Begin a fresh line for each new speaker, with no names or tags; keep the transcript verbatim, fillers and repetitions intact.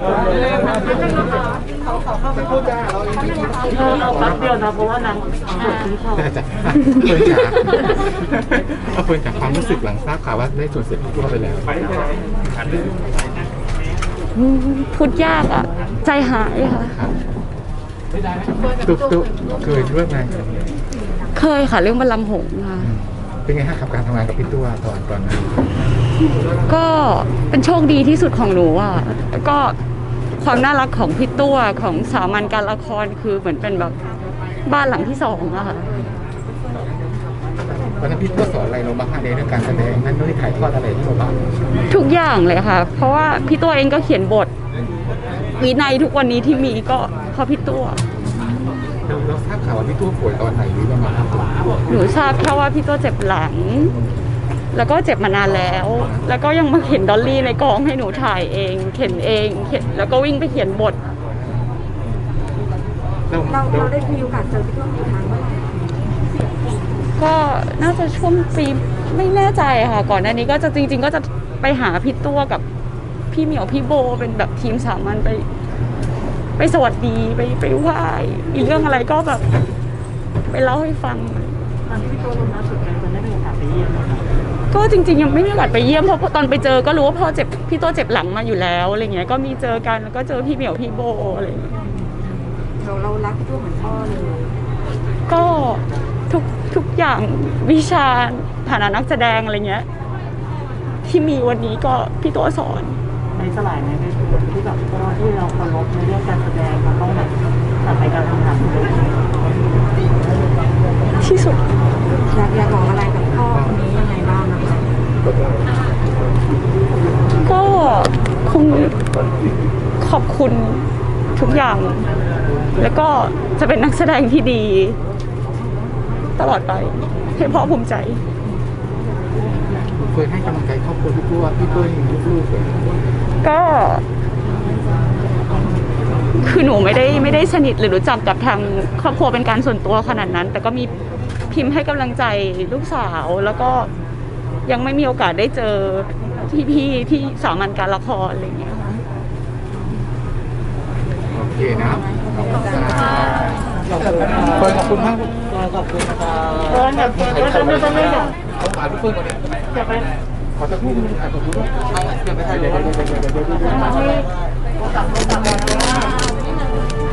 เขาเขาเข้าไปพูดจ้าเราเอง
เราแป๊บเดียวนะเพราะว่านางปวดทิ้งเขา
จ้ะเฟิร์นจ๋าเอาเฟิร์นจากความรู้สึกหลังทราบข่าวว่าได้ส่วนเสียพี่ตัวไปแล้ว
พูดยากอ่ะใจหายค่ะ
ตุ๊กตุ๊กเคยร่วมงาน
เคยค่ะเรื่องบัลลังก์หงส์ค่ะ
เป็นไงฮะกับการทำงานกับพี่ตัวตอนตอนนั้น
ก็เป็นโชคดีที่สุดของหนูอ่ะแล้วก็ความน่ารักของพี่ตัวของสามัญการละครคือเหมือนเป็นแบบบ้านหลังที่สองอะค่ะ
วันนั้นพี่ตัวสอนอะไรเราบ้างในเรื่องการแสดงนั่นด้วยถ่ายทอดอะไรที่เราบ้าง
ทุกอย่างเลยค่ะเพราะว่าพี่ตัวเองก็เขียนบทวินัยทุกวันนี้ที่มีก็เพราะพี่ตัว
เราทราบข่าวว่าพี่ตัวป่วยตอนไหนหรือประมาณ
หนูทราบแค่ว่าพี่ตัวเจ็บหลังแล้วก็เจ็บมานานแล้วแล้วก็ยังมาเข็นดอลลี่ในกองให้หนูถ่ายเองเข็นเองเข็นแล้วก็วิ่งไปเขียนบท
เราเราได้มีโอกาสเจอพี่ตัวกี่ครั้งบ้าง
ก็น่าจะช่วงปีไม่แน่ใจค่ะก่อนหน้านี้ก็จะจริงๆก็จะไปหาพี่ตัวกับพี่เหมียวพี่โบเป็นแบบทีมสามัญไปไปสวัสดีไปไปไหว้อีกเรื่องอะไรก็แบบไปเล่าให้ฟัง
ตอนที่พี่ตัวลงน้ำสุดกันมันได้มีโอกาสไปเยี่ยมไหมคะ
ก็จริงๆยังไม่มีโอกาสไปเยี่ยมเพราะตอนไปเจอก็รู้ว่าพ่อเจ็บพี่ตัวเจ็บหลังมาอยู่แล้วอะไรเงี้ยก็มีเจอกันแล้วก็เจอพี่เหมียวพี่โบอะไรเงี้ย
เราเรารักพี่ตัวเหมือนพ่อเลย
ก็ทุกทุกอย่างวิชาฐานะนักแสดงอะไรเงี้ยที่มีวันนี้ก็พี่ตัวสอน
ในสลายในที่แบบที่เราเคารพในเรื่องการแสดงมันต้องแบบตัดไปการทำงาน
ที่สุด
อยากอยากบอกอะไรกับพ่อคนนี้ยังไงบ้างนะคะ
ก็คงขอบคุณทุกอย่างแล้วก็จะเป็นนักแสดงที่ดีตลอดไปให้พ่อภูมิใจ
เคยให้กำลังใจครอบครัวพี่ตัวพี่ตัวยังลูกๆเลย
ก็คือหนูไม่ได้ไม่ได้สนิทหรือรู้จักกับทางครอบครัวเป็นการส่วนตัวขนาดนั้นแต่ก็มีพิมพ์ให้กำลังใจลูกสาวแล้วก็ยังไม่มีโอกาสได้เจอพี่ๆที่สามัญการละครอะไรอย่างเงี้ยค่ะ
โอเคนะครับขอบคุณขอบคุณมาก
ขอบคุณค่ะเออแบบเออทำไมทำไมเนี่ย
เขาขายลูกเฟิร์นก่อนเลย
จะไป
ขอจะพูดมึงขายผมด้วยเอาเดี๋ยวไปถ่ายเลยเดี๋ยวเดี๋ยวเดี๋ยวเดี๋ยวเดี๋ยว